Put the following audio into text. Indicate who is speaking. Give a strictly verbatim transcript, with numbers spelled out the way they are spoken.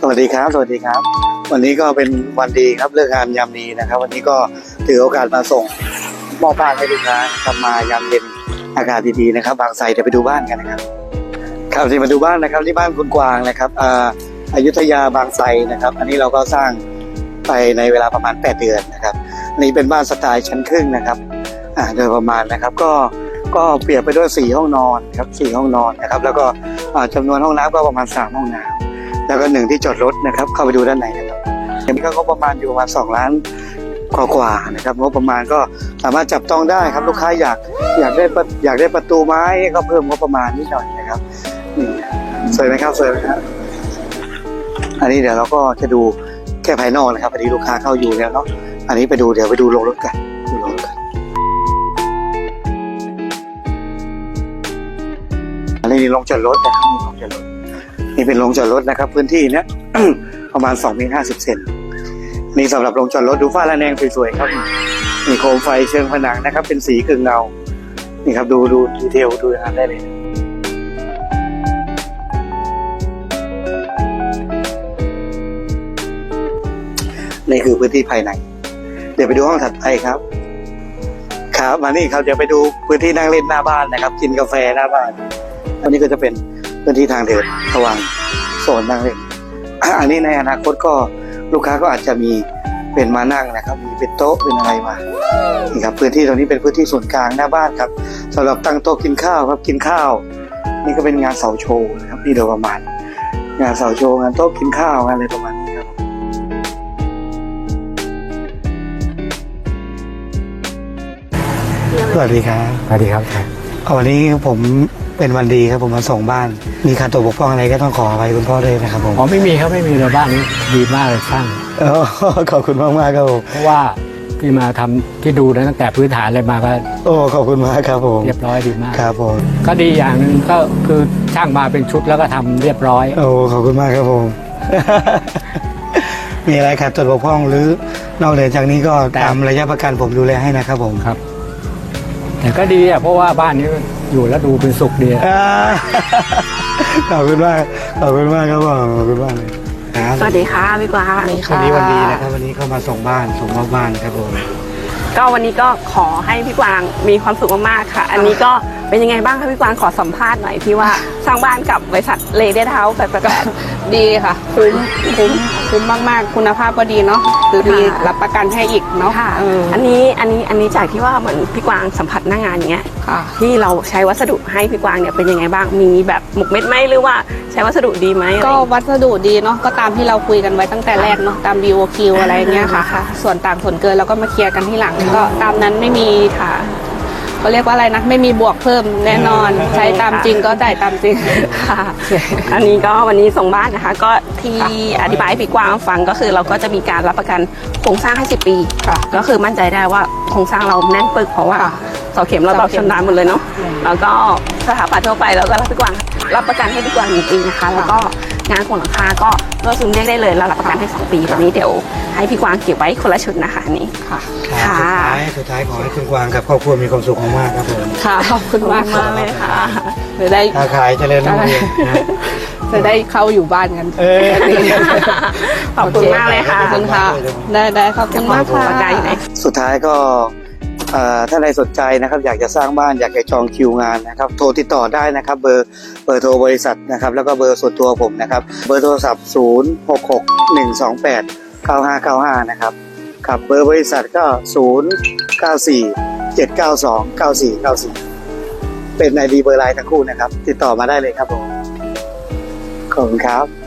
Speaker 1: วัสดีครับสวัสดีครับวันนี้ก็เป็นวันดีครับเลิกงานยามดีนะครับวันนี้ก็ถือโอกาสมาส่งมอบบ้านให้ลูกค้าทำมายามเย็นอากาศดีๆนะครับบางไทรเดี๋ยวไปดูบ้านกันนะครับครับที่มาดูบ้านนะครับที่บ้านคุณกวางนะครับอ่าอยุธยาบางไทรนะครับอันนี้เราก็สร้างไปในเวลาประมาณแปดเดือนนะครับนี่เป็นบ้านสไตล์ชั้นครึ่งนะครับอ่าโดยประมาณนะครับก็ก็เปรียบไปด้วยสี่ห้องนอนครับสี่ห้องนอนนะครับแล้วก็จำนวนห้องน้ำก็ประมาณสามห้องน้ำแล้วก็หนึ่งที่จอดรถนะครับเข้าไปดูด้านในนะครับอันนี้ก็งบประมาณอยู่ประมาณสองล้านกว่าๆนะครับงบประมาณก็สามารถจับต้องได้ครับลูกค้าอยากอยากได้อยากได้ประตูไม้ก็เพิ่มงบประมาณนิดหน่อยนะครับนี่สวยไหมครับสวยไหมครับอันนี้เดี๋ยวเราก็จะดูแค่ภายนอกนะครับอันนี้ลูกค้าเข้าอยู่แล้วเนาะอันนี้ไปดูเดี๋ยวไปดูโรงรถกันดูโรงรถกันอันนี้โรงจอดรถนะครับนี่โรงจอดรถนี่เป็นโรงจอดรถนะครับพื้นที่เนี้ย ประมาณสองเมตรห้าสิบเซนนี่สำหรับโรงจอดรถดูฝ้าระแนงสวยๆครับมีโคมไฟเชิงผนังนะครับเป็นสีกึ่งเงานี่ครับดูดูดีเทลดูงานได้เลยนี่คือพื้นที่ภายในเดี๋ยวไปดูห้องถัดไปครับครับมานี่ครับเดี๋ยวไปดูพื้นที่นั่งเล่นหน้าบ้านนะครับกินกาแฟหน้าบ้านอันนี้ก็จะเป็นพื้นที่ทางเดินระหว่างโซนนั่งเล่นอันนี้ในอนาคตก็ลูกค้าก็อาจจะมีเป็นมานั่งนะครับมีเป็นโต๊ะเป็นอะไรมานี่ครับพื้นที่ตรงนี้เป็นพื้นที่ส่วนกลางหน้าบ้านครับสำหรับตั้งโต๊ะกินข้าวครับกินข้าวนี่ก็เป็นงานเสาโชว์นะครับนี่โดยประมาณงานเสาโชว์งานโต๊ะกินข้าวงานอะไรประมาณนี้ครับสวัสดีครับสวัสดีครับวันนี้ผมเป็นวันดีครับผมมาส่งบ้านมีขาดตกบกพร่องอะไรก็ต้องขออภัยคุณพ่อด้วยนะครับผม
Speaker 2: อ๋อไม่มีครับไม่มีเลยบ้านนี้ดีมากเลยช่าง
Speaker 1: ขอบคุณมากมากครับผม
Speaker 2: เพราะว่าที่มาทำที่ดูนะตั้งแต่พื้นฐานอะไรมาก็
Speaker 1: โอ้ขอบคุณมากครับผม
Speaker 2: เรียบร้อยดีมาก
Speaker 1: ครับผม
Speaker 2: ก็ดีอย่างหนึ่งก็คือช่างมาเป็นชุดแล้วก็ทำเรียบร้อย
Speaker 1: โอ้ขอบคุณมากครับผม มีอะไรขาดตกบกพร่องหรือนอกเหนือจากนี้ก็ตามระยะประกันผมดูแลให้นะครับผม
Speaker 2: ครับแต่ก็ดีอ่ะเพราะว่าบ้านนี้อยู่แล้วดูเป็นสุขดี
Speaker 1: ขอบคุณมากขอบคุณมากครับผมขอบคุณมากเลย
Speaker 3: สวัสดีค่ะพี่กวาง
Speaker 1: วันนี้วันดีนะครับวันนี้เข้ามาส่งบ้านส่งมอบบ้านครับผม
Speaker 3: ก็วันนี้ก็ขอให้พี่กวางมีความสุขมากๆค่ะอันนี้ก็เป็นยังไงบ้างคะพี่กวางขอสัมภาษณ์หน่อยที่ว่าสร้างบ้านกับบริษัทเลเดอร์เฮาส์แปดแปดแปด
Speaker 4: ดีค่ะคุ้มคุ้มคุ้มมากๆคุณภาพก็ดีเนาะคือมีรับประกันให้อีกเนาะ
Speaker 3: อันนี้อันนี้อันนี้จากที่ว่าเหมือนพี่กวางสัมผัสหน้างานอย่างเงี้ยที่เราใช้วัสดุให้พี่กวางเนี่ยเป็นยังไงบ้างมีแบบหมกเม็ดไหมหรือว่าใช้วัสดุดีไหม
Speaker 4: ก็วัสดุดีเนาะก็ตามที่เราคุยกันไว้ตั้งแต่แรกเนาะตาม บี โอ คิว อะไรเงี้ยค่ะส่วนต่างส่วนเกินเราก็มาเคลียร์กันที่หลังก็ตามนั้นไม่มีค่ะเขาเรียกว่าอะไรนะไม่มีบวกเพิ่มแน่นอนใช้ตามจริงก็จ่ายตามจริง
Speaker 3: ค่ะอันนี้ก็วันนี้ส่งบ้านนะคะก็ที่อธิบายให้พี่กวางฟังก็คือเราก็จะมีการรับประกันโครงสร้างให้สิบปีก็คือมั่นใจได้ว่าโครงสร้างเราแน่นปึกเพราะว่าเสาเข็มเราตอกชำนาญหมดเลยเนาะแล้วก็สถาปัตย์ทั่วไปเราก็รับพี่กวางรับประกันให้พี่กวางหนึ่งปีนะคะแล้วก็งานของหลังคาก็ก็ซึมเรียกได้เลยเรารับประกันให้สองปีวันนี้เดี๋ยวให้พี่กวางเก็บไว้คนละชุดนะคะนี่
Speaker 1: ค่ะค่ะสุดท้ายขอให้คุณกวางกับครอบครัวมีความสุขมากครับผม
Speaker 4: ค่ะขอบคุณมาก
Speaker 3: มากเลยค่ะ
Speaker 4: จะได้
Speaker 1: ค้าขายเจริญรุ่งเรือง
Speaker 4: จะได้เข้าอยู่บ้านกัน
Speaker 3: ขอบคุณมากเลยค่ะ
Speaker 4: ขอบคุณค่ะได้ได้ขอบคุณมากค่ะ
Speaker 1: สุดท้ายก็ถ้าใครสนใจนะครับอยากจะสร้างบ้านอยากจะจองคิวงานนะครับโทรติดต่อได้นะครับเบอร์เบอร์โทรบริษัทนะครับแล้วก็เบอร์ส่วนตัวผมนะครับเบอร์โทรศัพท์ศูนย์ หก หก หนึ่ง สอง แปด เก้า ห้า เก้า ห้านะครับครับเบอร์บริษัทก็ศูนย์ เก้า สี่ เจ็ด เก้า สอง เก้า สี่ เก้า สี่เป็น ไอ ดี เบอร์ไลน์ทั้งคู่นะครับติดต่อมาได้เลยครับผมขอบคุณครับ